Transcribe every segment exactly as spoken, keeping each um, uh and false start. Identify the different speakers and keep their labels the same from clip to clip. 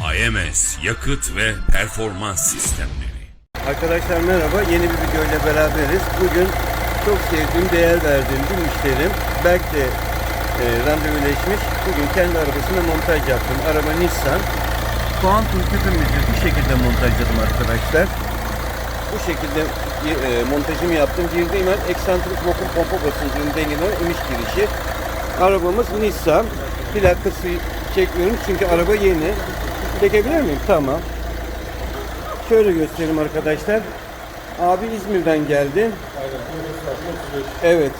Speaker 1: A M S yakıt ve performans sistemleri.
Speaker 2: Arkadaşlar merhaba, yeni bir video ile beraberiz. Bugün çok sevdiğim, değer verdiğim bir müşterim Berk de e, randevuleşmiş. Bugün kendi arabasına montaj yaptım. Araba Nissan. Kuantum tüpümüzü bu şekilde montajladım arkadaşlar. Bu şekilde e, montajımı yaptım. Girdiğim an eksantrik vakum pompa basıncının dengelen iniş girişi. Arabamız Nissan. Plakası çekmiyorum çünkü araba yeni. Çekebilir miyim? Tamam. Şöyle göstereyim arkadaşlar. Abi İzmir'den geldi. Evet.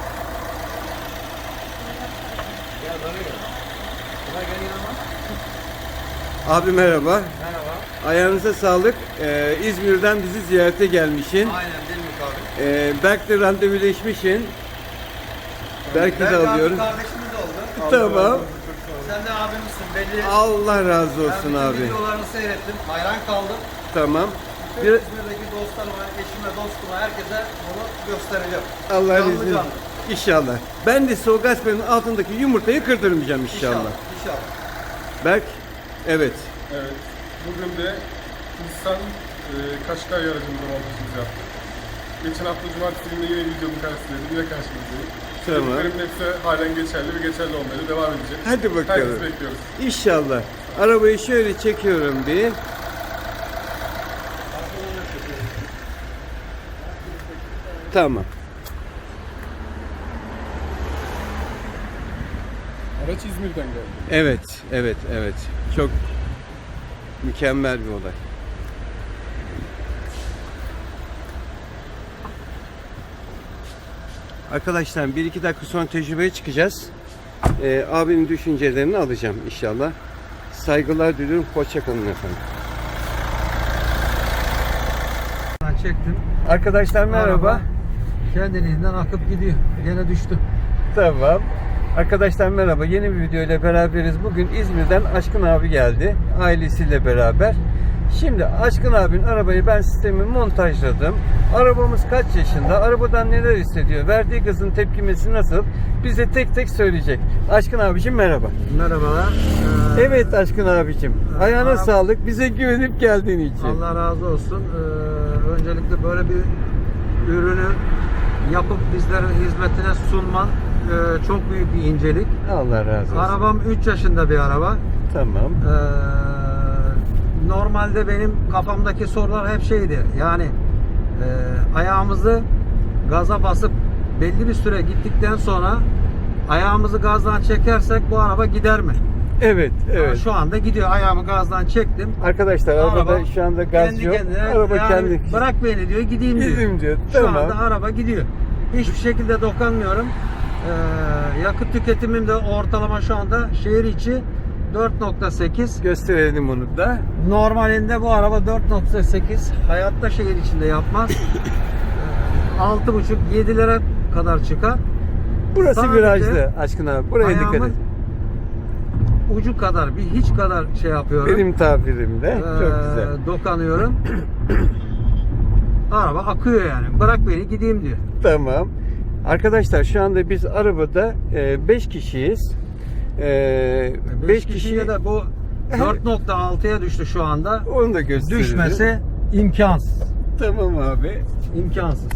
Speaker 2: Abi merhaba.
Speaker 3: Merhaba.
Speaker 2: Ayağınıza sağlık. Ee, İzmir'den bizi ziyarete gelmişsin.
Speaker 3: Aynen değil mi abi?
Speaker 2: Ee, Berk'le randevuleşmişsin. Berk'i de alıyorum.
Speaker 3: Kardeşimiz oldu.
Speaker 2: Tamam.
Speaker 3: Sen de abimizsin belli.
Speaker 2: Allah razı olsun
Speaker 3: ben
Speaker 2: abi.
Speaker 3: bütün videolarını seyrettim. Hayran kaldım.
Speaker 2: Tamam.
Speaker 3: Bütün
Speaker 2: Bir,
Speaker 3: İzmir'deki dostlarıma, eşime, dostuma, herkese bunu göstereceğim.
Speaker 2: Allah'ın
Speaker 3: Canlı
Speaker 2: izniyle.
Speaker 3: canlı.
Speaker 2: İnşallah. Ben de soğuk gasperin altındaki yumurtayı kırdırmayacağım inşallah.
Speaker 3: İnşallah. İnşallah.
Speaker 2: Berk, evet.
Speaker 4: Evet. Bugün de Nissan e, Qashqai aracımızda montajımızı yaptık. Geçen hafta Cumartesi günü yine videonun karşısındaydım. Yine karşınızdayım.
Speaker 2: Tamam.
Speaker 4: Dediklerim hepsi halen geçerli ve geçerli olmaya da devam edecek.
Speaker 2: Hadi bakalım.
Speaker 4: Herkesi bekliyoruz.
Speaker 2: İnşallah. Arabayı şöyle çekiyorum bir. Tamam.
Speaker 4: Araç İzmir'den geldi.
Speaker 2: Evet, evet, evet. Çok mükemmel bir olay. Arkadaşlar bir iki dakika sonra tecrübeye çıkacağız. Ee, abimin düşüncelerini alacağım inşallah. Saygılar diliyorum. Hoşça kalın efendim.
Speaker 3: Ben çektim.
Speaker 2: Arkadaşlar merhaba.
Speaker 3: Araba kendiliğinden akıp gidiyor. Gene düştü.
Speaker 2: Tamam. Arkadaşlar merhaba. Yeni bir video ile beraberiz. Bugün İzmir'den Aşkın abi geldi. Ailesiyle beraber. Şimdi Aşkın abinin arabayı ben sistemi montajladım. Arabamız kaç yaşında? Arabadan neler hissediyor? Verdiği gazın tepkimesi nasıl? Bize tek tek söyleyecek. Aşkın abicim merhaba.
Speaker 3: Merhabalar. Ee,
Speaker 2: Evet Aşkın abicim. Ayağına
Speaker 3: araba-
Speaker 2: sağlık. Bize güvenip geldiğin için.
Speaker 3: Allah razı olsun. Ee, öncelikle böyle bir ürünü yapıp bizlerin hizmetine sunman e, çok büyük bir incelik.
Speaker 2: Allah razı olsun.
Speaker 3: Arabam üç yaşında bir araba.
Speaker 2: Tamam.
Speaker 3: Ee, normalde benim kafamdaki sorular hep şeydi. Yani e, ayağımızı gaza basıp belli bir süre gittikten sonra ayağımızı gazdan çekersek bu araba gider mi?
Speaker 2: Evet,
Speaker 3: Ama
Speaker 2: evet.
Speaker 3: şu anda gidiyor. Ayağımı gazdan çektim.
Speaker 2: Arkadaşlar arabada şu anda gaz
Speaker 3: kendi
Speaker 2: yok.
Speaker 3: kendine,
Speaker 2: Araba
Speaker 3: yani
Speaker 2: kendi
Speaker 3: bırak beni diyor, gideyim diyor.
Speaker 2: Gideyim diyor,
Speaker 3: Şu
Speaker 2: tamam.
Speaker 3: anda araba gidiyor. Hiçbir şekilde dokunmuyorum. Ee, yakıt tüketimim de ortalama şu anda şehir içi dört nokta sekiz.
Speaker 2: gösterelim onu da.
Speaker 3: Normalinde bu araba dört nokta sekiz. Hayatta şehir içinde yapmaz. Ee, altı buçuk yedilere kadar çıkar.
Speaker 2: Burası
Speaker 3: Sadece
Speaker 2: virajlı Aşkın abi. Buraya dikkat et.
Speaker 3: Ayağımın ucu kadar, bir hiç kadar şey yapıyorum.
Speaker 2: Benim tabirimde.
Speaker 3: Ee,
Speaker 2: Çok güzel.
Speaker 3: Dokunuyorum. Araba akıyor yani. Bırak beni gideyim diyor.
Speaker 2: Tamam. Arkadaşlar şu anda biz arabada beş kişiyiz.
Speaker 3: beş
Speaker 2: beş
Speaker 3: kişiyle
Speaker 2: kişi
Speaker 3: de bu dört nokta altıya düştü şu anda.
Speaker 2: onu da gösterelim.
Speaker 3: Düşmesi imkansız.
Speaker 2: Tamam abi.
Speaker 3: İmkansız.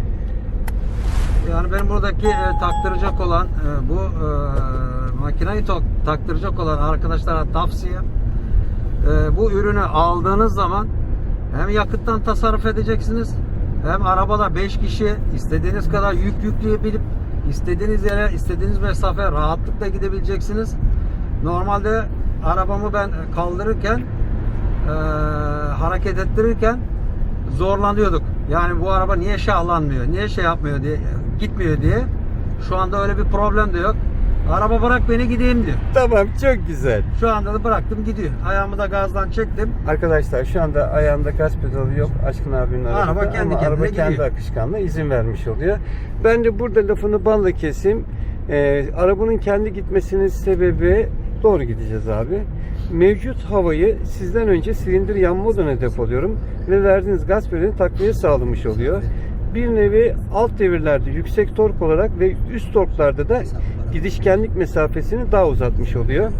Speaker 3: Yani benim buradaki e, taktıracak olan e, bu e, makineyi to- taktıracak olan arkadaşlara tavsiyem e, bu ürünü aldığınız zaman hem yakıttan tasarruf edeceksiniz, hem arabada beş kişi istediğiniz kadar yük yükleyebilip istediğiniz yere, istediğiniz mesafe rahatlıkla gidebileceksiniz. Normalde arabamı ben kaldırırken e, hareket ettirirken zorlanıyorduk. Yani bu araba niye şahlanmıyor, niye şey yapmıyor diye, gitmiyor diye. Şu anda öyle bir problem de yok. Araba bırak beni gideyim diyor.
Speaker 2: Tamam, çok güzel.
Speaker 3: Şu anda da bıraktım gidiyor. Ayağımı da gazdan çektim.
Speaker 2: Arkadaşlar şu anda ayağında gaz pedalı yok Aşkın abinin arabada.
Speaker 3: Araba kendi
Speaker 2: ama
Speaker 3: kendine
Speaker 2: araba kendi
Speaker 3: gidiyor.
Speaker 2: akışkanlığı izin vermiş oluyor. Ben de burada lafını balla keseyim. Ee, arabanın kendi gitmesinin sebebi, doğru gideceğiz abi. Mevcut havayı sizden önce silindir yanma odana depoluyorum ve verdiğiniz gaz pedalini takviye sağlamış oluyor. Bir nevi alt devirlerde yüksek tork olarak ve üst torklarda da gidişkenlik mesafesini daha uzatmış oluyor.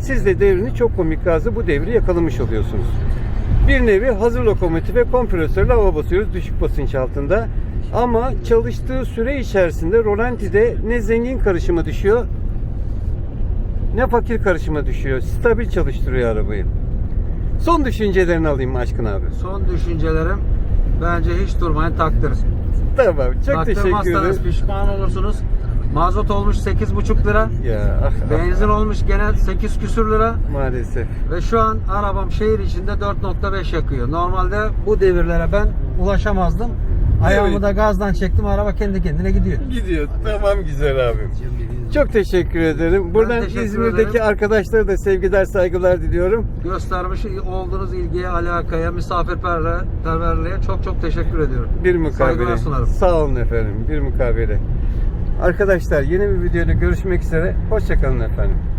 Speaker 2: Siz de devrini çok komik gazla bu devri yakalamış oluyorsunuz. Bir nevi hazır lokomotife kompresörle hava basıyoruz düşük basınç altında. Ama çalıştığı süre içerisinde rolantide ne zengin karışıma düşüyor ne fakir karışıma düşüyor. Stabil çalıştırıyor arabayı. Son düşüncelerini alayım Aşkın abi.
Speaker 3: Son düşüncelerim, bence hiç durmayın, taktırın.
Speaker 2: Tamam, çok teşekkür
Speaker 3: Taktırmazsanız
Speaker 2: ederim.
Speaker 3: pişman olursunuz. Mazot olmuş sekiz buçuk lira.
Speaker 2: Ya ah, ah,
Speaker 3: Benzin olmuş gene sekiz küsür lira.
Speaker 2: maalesef.
Speaker 3: Ve şu an arabam şehir içinde dört nokta beş yakıyor. Normalde bu devirlere ben ulaşamazdım. Ayağımı
Speaker 2: Evet.
Speaker 3: da gazdan çektim, araba kendi kendine gidiyor.
Speaker 2: Gidiyor. Tamam güzel abim. Çok teşekkür ederim. Buradan
Speaker 3: teşekkür
Speaker 2: İzmir'deki
Speaker 3: ederim.
Speaker 2: arkadaşlara da sevgiler, saygılar diliyorum.
Speaker 3: Göstermiş olduğunuz ilgiye, alakaya, misafirperverliğe çok çok teşekkür ediyorum.
Speaker 2: Bir mukabele.
Speaker 3: Saygılar sunarım.
Speaker 2: Sağ olun efendim. Bir mukabele. Arkadaşlar yeni bir videoda görüşmek üzere. Hoşça kalın efendim.